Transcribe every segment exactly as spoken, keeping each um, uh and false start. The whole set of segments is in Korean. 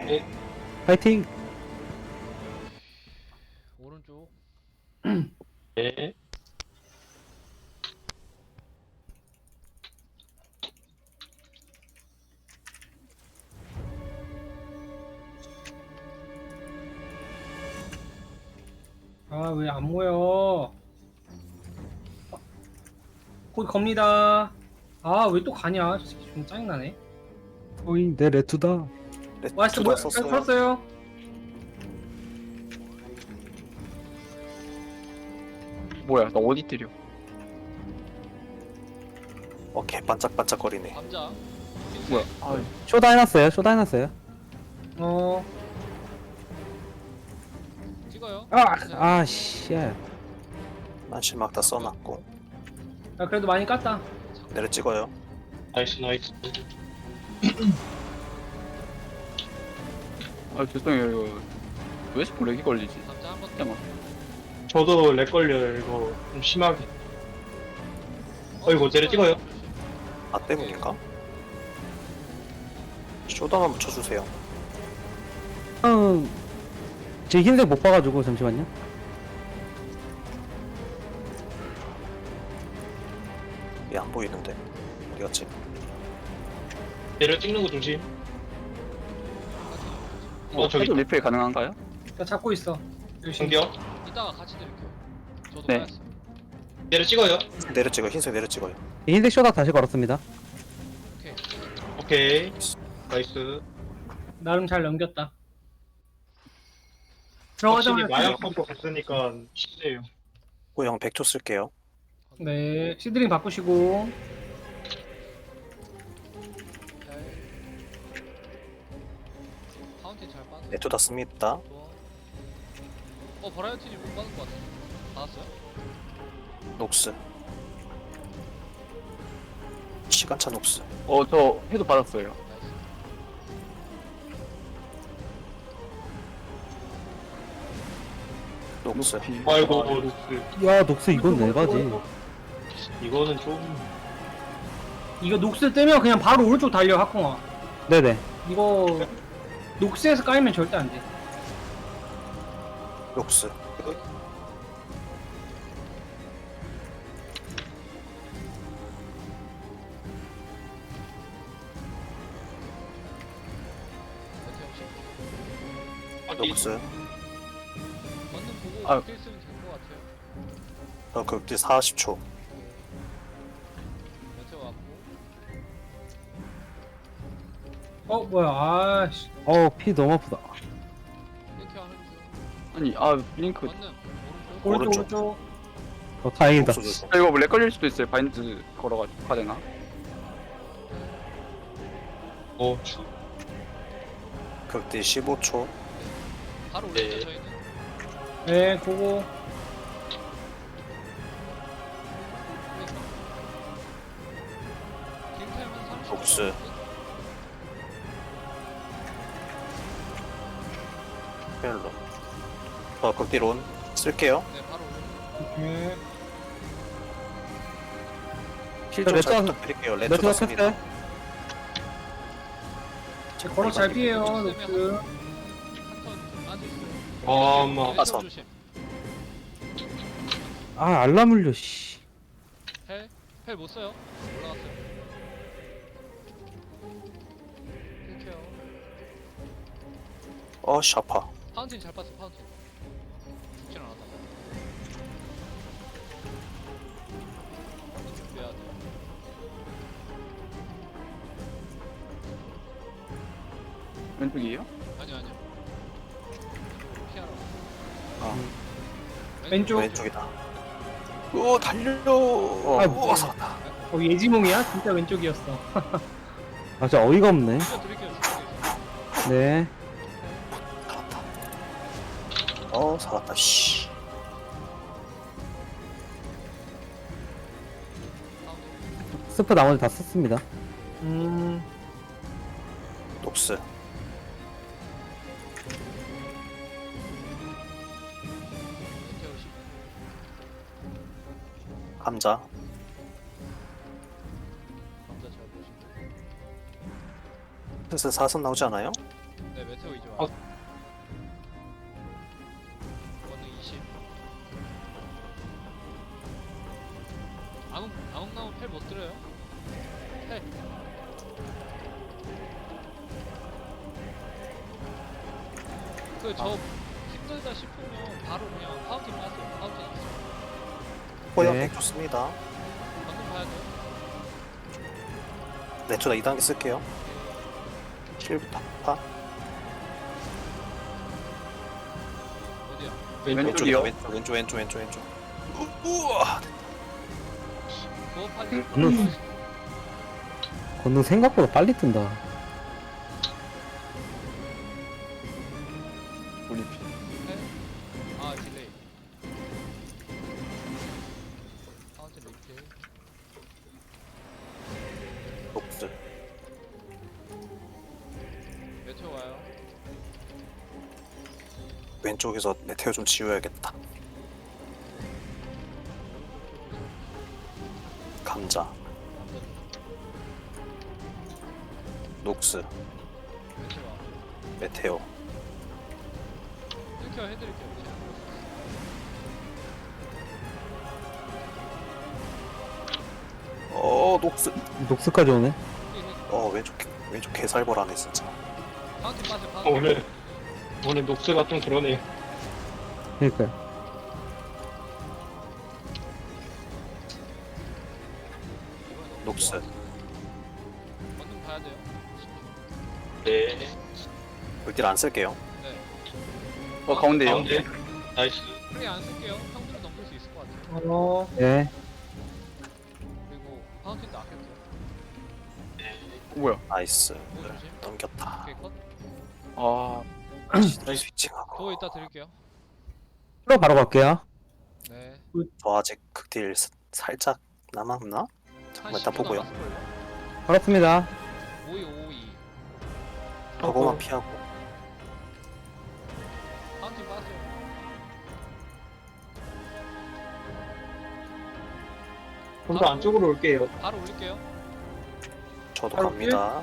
네. 파이팅! 오른쪽. 네. 아, 왜 안 모여? 곧 겁니다. 아, 왜 또 가냐? 저 새끼 좀 짜증나네. 오잉, 내 레투다. 와이스 두장 뭐, 썼어요. 걸었어요? 뭐야, 나 어디 때려? 어, 개 반짝반짝거리네. 감자. 뭐야? 아, 쇼다 해놨어요, 쇼다 해놨어요. 어, 찍어요. 아! 아, 씨. 난 실막 다 써놨고. 야, 그래도 많이 깠다. 내려 찍어요. 나이스 나이스. 아 죄송해요. 이거 왜 자꾸 렉이 걸리지? 감자 한번 더. 잠깐만. 저도 렉 걸려요 이거 좀 심하게. 어이구, 내려 찍어요. 나 때문인가? 쇼다 한번 쳐주세요. 음, 제 흰색 못 봐가지고, 잠시만요. 얘 안 보이는데. 어디 갔지? 내려 찍는 거 조심. 어 어, 저기 저기 리플 가능한가요? 나 잡고 있어. 열심히. 정겨. 이따가 같이 드릴게요. 저도 네. 빠졌어. 내려 찍어요. 내려 찍어. 흰색 내려 찍어요. 흰색 쇼다 다시 걸었습니다. 오케이. 오케이. 나이스. 나름 잘 넘겼다. 확실히 들어가자마자. 마약 펌프 갔으니까 쉽네요. 호영 백 초 쓸게요. 네, 시드링 바꾸시고. 잘. 파운틴 잘 빠져. 네토 다 씁니다. 좋아. 어 버라이어티님 못 받은 것 같아. 받았어요? 녹스. 시간차 녹스. 어, 저 해도 받았어요. 나이스. 녹스. 높이. 아이고 아, 녹스. 야, 녹스 이건 내바지. 이거는 좀 이거 녹스 뜨면 그냥 바로 오른쪽 달려, 하콩아. 네네. 이거, 녹스에서 까이면 절대 안 돼. 녹스. 메테 혹시 어디 녹스. 걷는 보고 아. 어떻게 쓰면 될 것 같아요. 어, 극딜 사십 초. 메테오 왔고. 어, 뭐야, 아씨. 어, 피 너무 아프다. 이렇게 하는 중. 아니, 아 링크. 걷는 오른쪽. 오른쪽, 오른쪽. 오른쪽. 어, 다행이다. 녹스 조심. 아, 이거 렉 걸릴 수도 있어요. 바인드 걸어가지고 가되나? 어 추. 극딜 십오 초. 바로 네. 올리죠 저희는. 네, 보고. 딜타임은 삼십 초. 녹스. 헬로. 어, 극딜 온. 쓸게요. 네 바로 올려. 네. 힐좀 레터- 잘 부탁드릴게요. 레토 레투다 다 씁니다. 켰어요? 제 걸어 잘 피해요, 녹스. 한턴 빠져있어요. 어마. 왼쪽 아서. 조심. 아, 알람 울려, 씨. 헬? 헬 못 써요. 올라갔어요. 힐케어. 어, 샤파. 파운틴 잘 봤어 파운틴. 죽진 않았다. 준비해야 돼. 왼쪽이에요? 아니요 아니요. 피하러. 아, 왼쪽. 왼쪽이다. 오, 달려. 어, 아, 오, 살았다. 어, 예지몽이야? 진짜 왼쪽이었어. 아, 진짜 어이가 없네. 이거 드릴게요. 드릴게요. 네. 살았다. 어, 살았다. 씨. 파운틴. 스프 나머지 다 썼습니다. 음, 녹스. 메테오 십. 감자. 감자 잘 보시고. 슬슬 사선 나오지 않아요? 네 메테오 이제 와. 어. 권능 이십. 암흑 암흑 나오면 펠 못 들어요. 펠. 그저 힘들다 싶으면 바로 그냥 파운틴 빠세요. 파운틴 있어. 포역 네. 백 좋습니다. 방금 봐야 돼요. 네, 저다 이 단계 쓸게요. 실부터 파. 어디야? 왼쪽. 왼쪽이요? 왼쪽, 왼쪽, 왼쪽, 왼쪽, 왼쪽. 우, 우와. 그거 파지. 음. 건능 생각보다 빨리 뜬다. 올림픽. 아 딜레이. 파운틴 리필. 녹스. 메테오 와요. 왼쪽에서 메테오 좀 지워야겠다. 감자. 남자 녹스. 메테오 와. 메테오. 힐케어 해드릴게요. 제가. 어, 녹스. 녹스까지 오네. 어, 왼쪽, 왼쪽 개살벌하네, 진짜. 파운틴 빠져. 어, 파운틴. 오늘 오늘 녹스가 좀 그러네요. 그러니까요. 녹스. 방금 봐야 돼요. 네. 물딜 안 쓸게요. 네. 어 가운데요. 가운데. 나이스. 프레이 안 쓸게요. 형들은 넘길 수 있을 것 같아요. 어, 네. 그리고 파운틴도 아꼈죠. 어, 뭐야? 나이스. 뭐 조심. 넘겼다. 오케이 컷. 아 스위칭하고. 그거 이따 드릴게요. 풀로 바로 갈게요. 네. 저 아직 극딜 스- 살짝 남았나? 잠깐만, 일단 보고요. 반갑습니다. 오이오이. 저거만 피하고. 파운틴 빠세요. 좀 더 안쪽으로 올게요. 바로 올릴게요. 저도 바로 갑니다.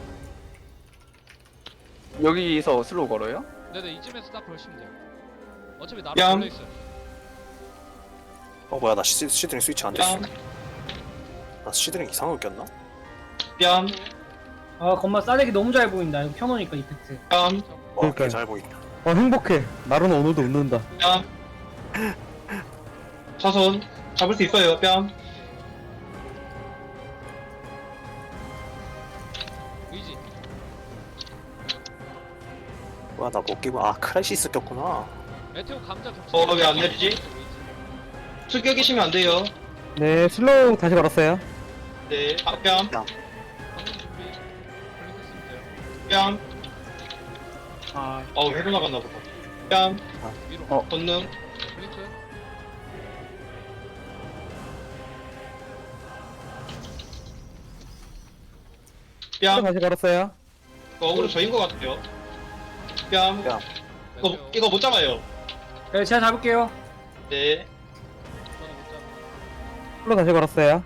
여기서 슬로우 걸어요? 네네 이쯤에서 딱 걸시면 돼요. 어차피 나로 얌. 걸려 있어요. 어, 뭐야, 나 시, 시드링 스위치 안 됐어. 뺨, 나 시드링 이상하게 꼈나? 뺨, 아 건마 싸대기 너무 잘 보인다. 이거 켜놓으니까 이펙트. 뺨, 어, 그러니까요. 잘 보인다. 어 행복해. 나로는 오늘도 웃는다. 뺨. 차선 잡을 수 있어요. 뺨. 의지. 뭐야, 나 못 끼고. 아, 크라이시스 꼈구나. 메테오 감자 겹치. 어, 왜안 내리지? 숙여 계시면 안 돼요. 네, 슬로우 다시 걸었어요. 네. 아, 뺨, 방금 준비. 걸리셨으면 돼요. 뺨. 아 어, 해도 나갔나 보다. 뺨, 위로. 어. 권능, 블링크. 슬로우 뺨. 다시 걸었어요. 어그로 저인 것 같아요. 뺨. 뺨. 이거, 메테오. 이거 못 잡아요. 네, 제가 잡을게요. 네. 저는 못 잡아. 슬로우 다시 걸었어요.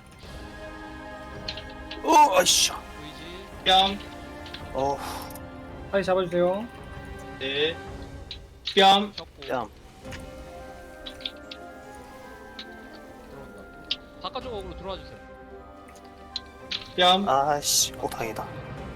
어, 아이씨. 의지. 뺨, 어, 다시 잡아주세요. 네. 뺨, 겹고. 뺨. 들어온다. 바깥쪽 어그로 들어와 주세요. 뺨, 아이씨. 어, 다행이다.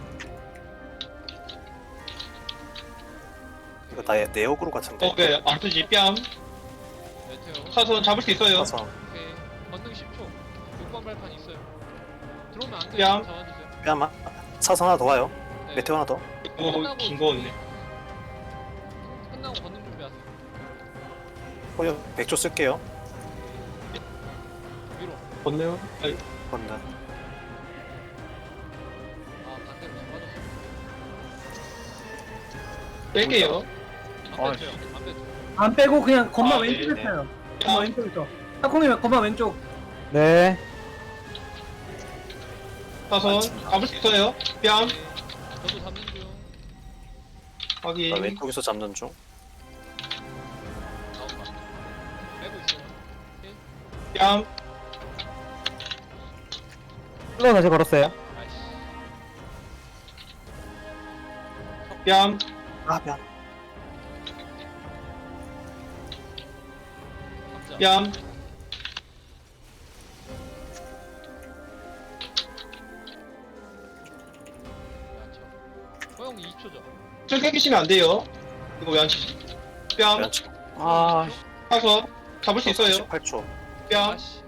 이거 나의 네오그로 같은데. 어, 네. 안 뜨지. 뺨. 메테오. 차선 잡을 수 있어요. 가서 오케이. 건능 십 초. 육 번 발판 있어요. 들어오면 안 돼요. 뺨. 잡아주세요. 뺨. 아, 사선 하나 더 와요. 네. 메테오 하나 더. 이거 긴거 없네. 끝나고 건능 준비하세요. 포역 백 조 쓸게요. 위로. 권능. 아니, 건능. 아 반대로 잡아줬어요. 뺄게요. 안 아, 뺐죠. 안 뺐죠. 안 빼고 그냥 건마 아, 네, 왼쪽에 네. 펴요. 건마 왼쪽에서. 타콩이 건마 왼쪽. 네. 차선 잡을 수 있어요. 뺨. 네. 저도 잡는 중. 확인. 나 왼쪽에서 잡는 중. 나온다. 빼고 있어요. 뺨. 슬로우 다시 걸었어요. 아이씨. 뺨. 아 뺨. 감자. 뺨. 야채. 허용 이십 초죠. 술 깨기시면 안 돼요. 이거 왜 안 치지? 뺨. 면치. 아, 타서 잡을 수 있어요. 십팔 초. 뺨. 아씨.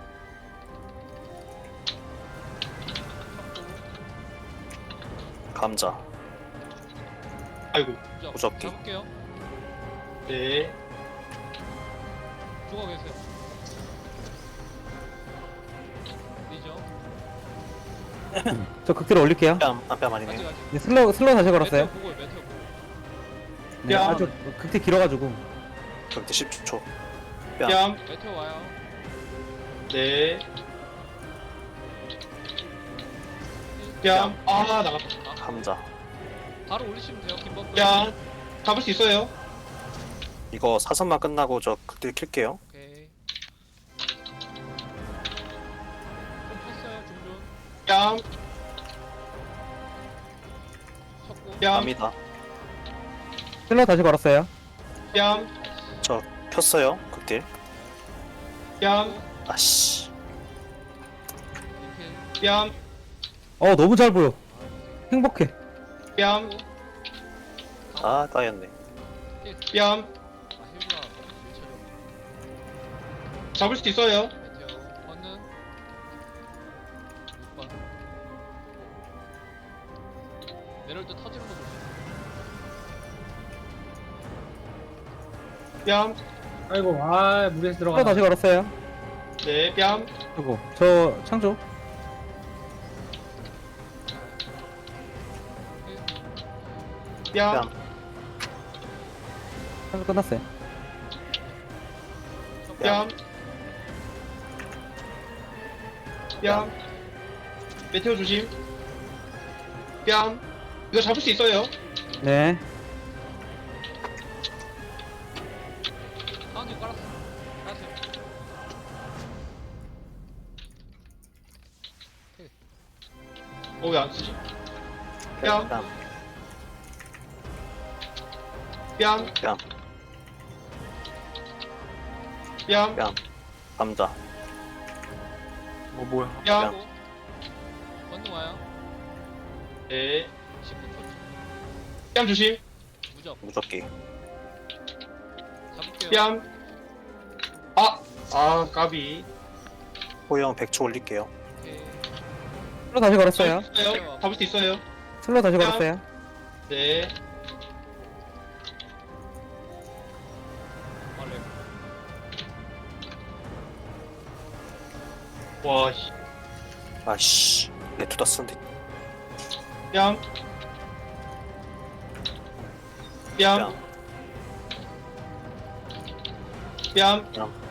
감자. 아이고. 무적. 무적기. 잡을게요. 네. 죽어 계세요. 리죠. 저 극딜 올릴게요. 뺨. 아, 뺨 아직 아니네. 아직. 네, 슬로우 슬로우 다시 걸었어요. 메테오 보고요. 메테오 보고. 네, 야. 아주 극딜 길어가지고. 극딜 십 초. 뺨. 뺨. 메테오 와요. 네. 뺨. 아, 나갔다. 아, 감자. 바로 올리시면 돼요. 김범. 뺨. 잡을 수 있어요. 이거 사선만 끝나고 저 극딜 킬게요. 오케이. 좀 폈어요. 중준. 뺨. 쳤고. 뺨. 뺨이다. 슬로우 다시 걸었어요. 뺨. 저 폈어요. 극딜. 뺨. 아씨. 이렇게. 뺨. 어 너무 잘 보여. 행복해. 뺨. 아 따였네. 뺨. 아, 힐구나. 일처리. 잡을 수 있어요. 메테오. 건능. 육 번. 내려올 때 터지는 거 조심. 뺨. 아이고 아 무리해서 슬로우 들어가. 다시 걸었어요. 네. 뺨. 그리고 저 창조. 뺨. 뺨. 창조 끝났어요. 뺨. 뺨. 메테오 조심. 뺨. 이거 잡을 수 있어요. 네. 가운데 깔았어. 깔았어요. 어, 왜 안 쓰지? 뺨. 뺨. 뺨. 뺨. 뺨. 뺨. 감자. 어 뭐야? 뺨. 하고. 건능 와요. 네. 십구 초. 뺨 조심. 무적. 무적기. 잡을게요. 뺨. 아. 아, 까비. 호영 백 초 올릴게요. 오케이. 슬로우 다시 걸었어요. 잡을 수 있어요. 잡을 수 있어요. 슬로우 다시 걸었어요. 네. 원래. 와, 씨. 아씨. 레투다 쓴데. 뺨. 뺨. 뺨. 뺨. 뺨.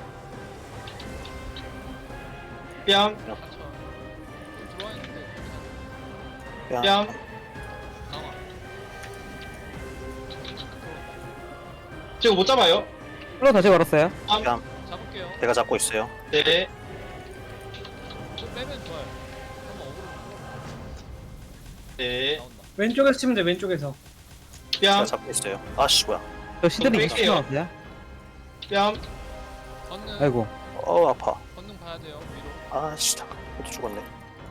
뺨. 상처. 좀 들어와 있는데. 뺨. 뺨. 강화. 지금 못 잡아요. 슬로우 다시 걸었어요. 뺨. 뺨. 잡을게요. 내가 잡고 있어요. 네. 좀 빼면 좋아요. 한번 어그로 네. 나온다. 왼쪽에서 치면 돼 왼쪽에서. 제가 뺨. 잡고 있어요. 아씨 뭐야. 저 시드니 좀 이십 초 뺄게요. 남았어요. 뺨. 건능. 아이고. 어 아파. 건능 봐야 돼요. 위로. 아씨 잠깐. 또 죽었네.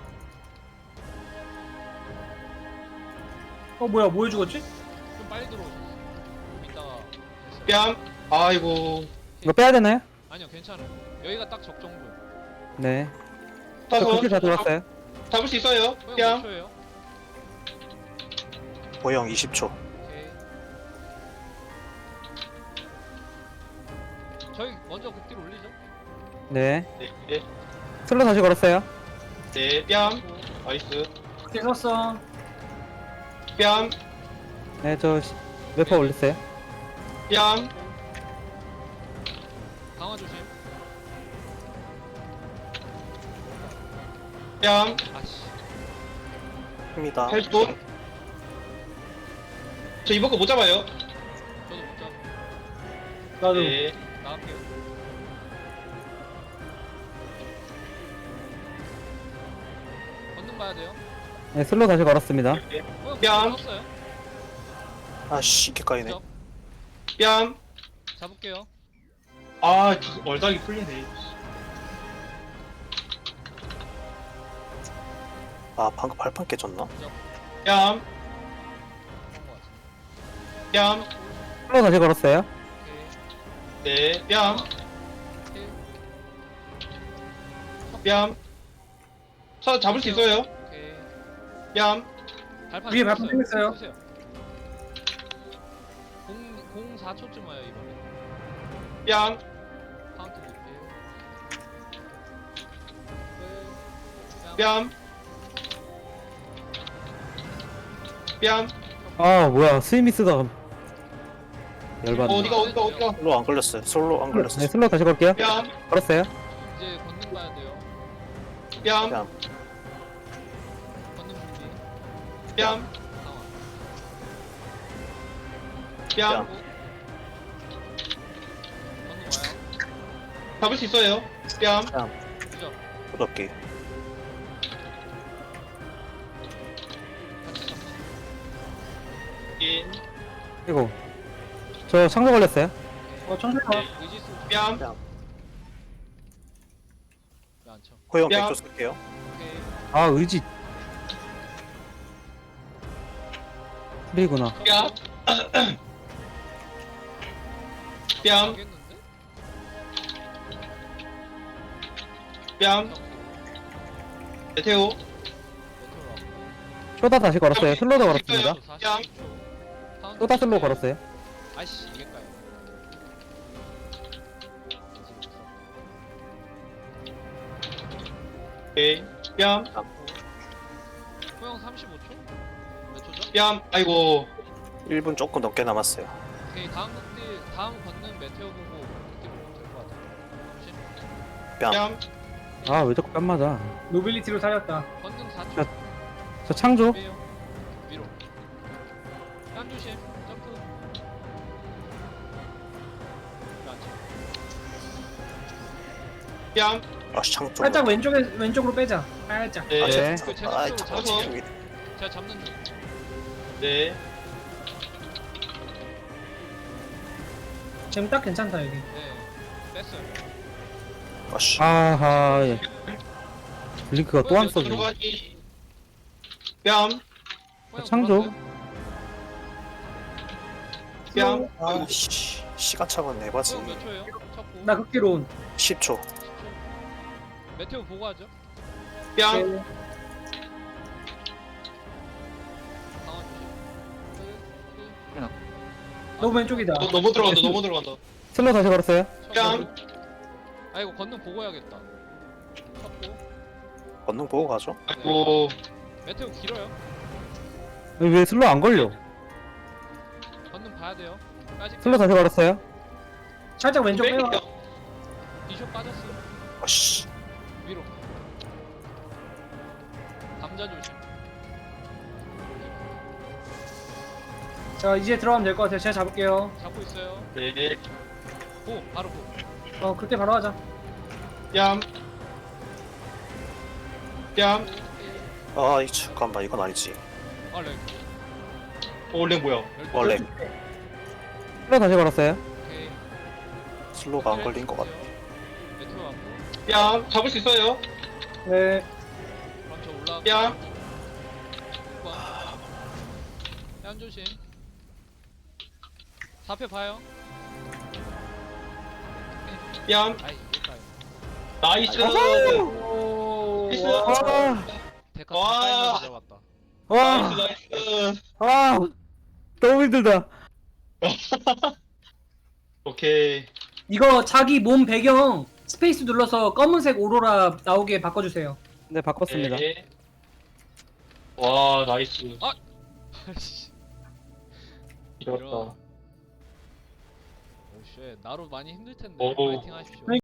어 뭐야 뭐해 죽었지? 좀 빨리 들어오셨어. 좀 이따가 됐어요. 뺨. 아이고. 이거 빼야 되나요? 아니요, 괜찮아요. 여기가 딱 적정분. 네. 저 타서 극딜 다 돌았어요. 잡을 수 있어요. 호영 몇 뺨. 초예요? 호영 이십 초. 오케이. 저희 먼저 극딜 올리죠. 네. 네. 네. 슬로우 다시 걸었어요. 네. 뺨. 그리고 나이스. 그때 섰어. 뺨. 네, 저 웨퍼 올렸어요. 뺨. 강화 조심. 뺨. 아씨. 입니다. 헬프. 저 이번 거 못 잡아요. 저도 못 잡. 나도. 네. 나갈게요. 건능 봐야 돼요. 네, 슬로우 다시 걸었습니다. 호영 뺨. 떴어요. 아씨 이게 까이네. 그죠? 뺨. 잡을게요. 아, 그 얼닥이 풀리네. 아 방금 발판 깨졌나? 뺨. 그런 거 같아. 뺨. 슬로우 다시 걸었어요. 오케이. 네, 뺨. 오케이. 뺨. 차 잡을 수 있어요. 오케이. 뺨. 발판 위에 발판 쓰세요. 생겼어요. 쓰세요. 공, 공 사 초쯤 와요 이번에. 뺨. 카운트 볼게요. 네. 뺨. 뺨. 아 뭐야 스위미스가 열받네. 어디가 어디가 어디가. 솔로 안 걸렸어요. 솔로 안 걸렸어. 네 슬로우 다시 걸게요. 뺨. 걸었어요. 이제 걷는 봐야 돼요. 뺨. 뺨. 걷는 준비. 뺨. 상황. 뺨. 걷는 와요. 잡을 수 있어요. 뺨. 그죠? 부럽게. 같이 잡는. 인. 그리고 저 창조 걸렸어요. 어 천천히 가. 네. 의지 쓰고. 뺨. 왜안 쳐? 호영 뺨. 백조 쓸게요. 오케이. 아 의지. 프리구나. 뺨. 뺨. 가겠는데? 뺨. 메테오. 메테오 왔고. 쇼다 다시 걸었어요. 슬로우도 걸었습니다. 뺨. 쇼다 슬로우 걸었어요. 아이씨 이게까요. 오케이. 뺨. 호영 삼십오 초? 몇 초죠? 뺨. 아이고. 일 분 조금 넘게 남았어요. 오케이 다음 극딜 다음 걷는 메테오 보고 극딜 보면 될 것 같아. 조심. 뺨. 뺨. 아 왜 자꾸 뺨 맞아. 노빌리티로 살렸다. 걷는 사 야. 초. 저 창조. 빼요. 위로. 뺨 조심. 점프. 왜안 쳐? 뺨. 아씨 창 좀. 살짝 왼쪽에 왼쪽으로 빼자. 살짝. 네. 아, 네. 저, 그 저, 아, 제작적으로 저, 잡아서. 지금 제가 잡는 중. 네. 지금 딱 괜찮다 여기. 네. 뺐어요. 아씨. 아하. 예. 블링크가 또 안 써져. 들어가기. 뺨. 호영 창조. 걸었어요? 뺨. 아씨. 시간차가 내봐지. 호영 몇 초예요? 쳤고. 나 극기로 온. 십 초. 십 초. 메테오 보고 하죠. 뺨. 네. 상황 조심. 끝, 끝. 너무 왼쪽이다. 너, 너무 들어간다. 너무 들어간다. 슬로우 다시 걸었어요. 뺨. 아 이거 걷는 보고 해야겠다. 쳤고. 권능 보고 가죠. 아이고. 메테오 길어요. 왜 슬로우 안 걸려? 걷는 봐야 돼요. 까짓 슬로우 다시 걸었어요. 살짝 왼쪽 빼봐. 디쇼 빠졌어. 아씨. 위로. 감자 조심. 자 이제 들어가면 될 것 같아요. 제가 잡을게요. 잡고 있어요. 네. 고 바로 고. 어 그때 바로 하자. 뺨. 뺨. 아, 이 잠깐만 이건 아니지. 아 렉. 올랭 뭐야? 원래 슬로우 다시 걸었어요. 오케이. 슬로우가 안 걸린 것 같아. 메테오 왔고. 뺨. 잡을 수 있어요. 네. 그럼 저 올라가. 뺨. 뺨 조심. 사 패 봐요. 뺨. 아이 이럴까요? 나이스. 오. 나이스. 와. 데카 와. 가까이서 들어갔다. 와. 나이스. 나이스. 아. 너무 힘들다. 오케이. 이거 자기 몸 배경 스페이스 눌러서 검은색 오로라 나오게 바꿔주세요. 네 바꿨습니다. 네. 와, 나이스. 아이씨. 이겼다. 오쉣 나로 많이 힘들 텐데 오. 파이팅 하십시오.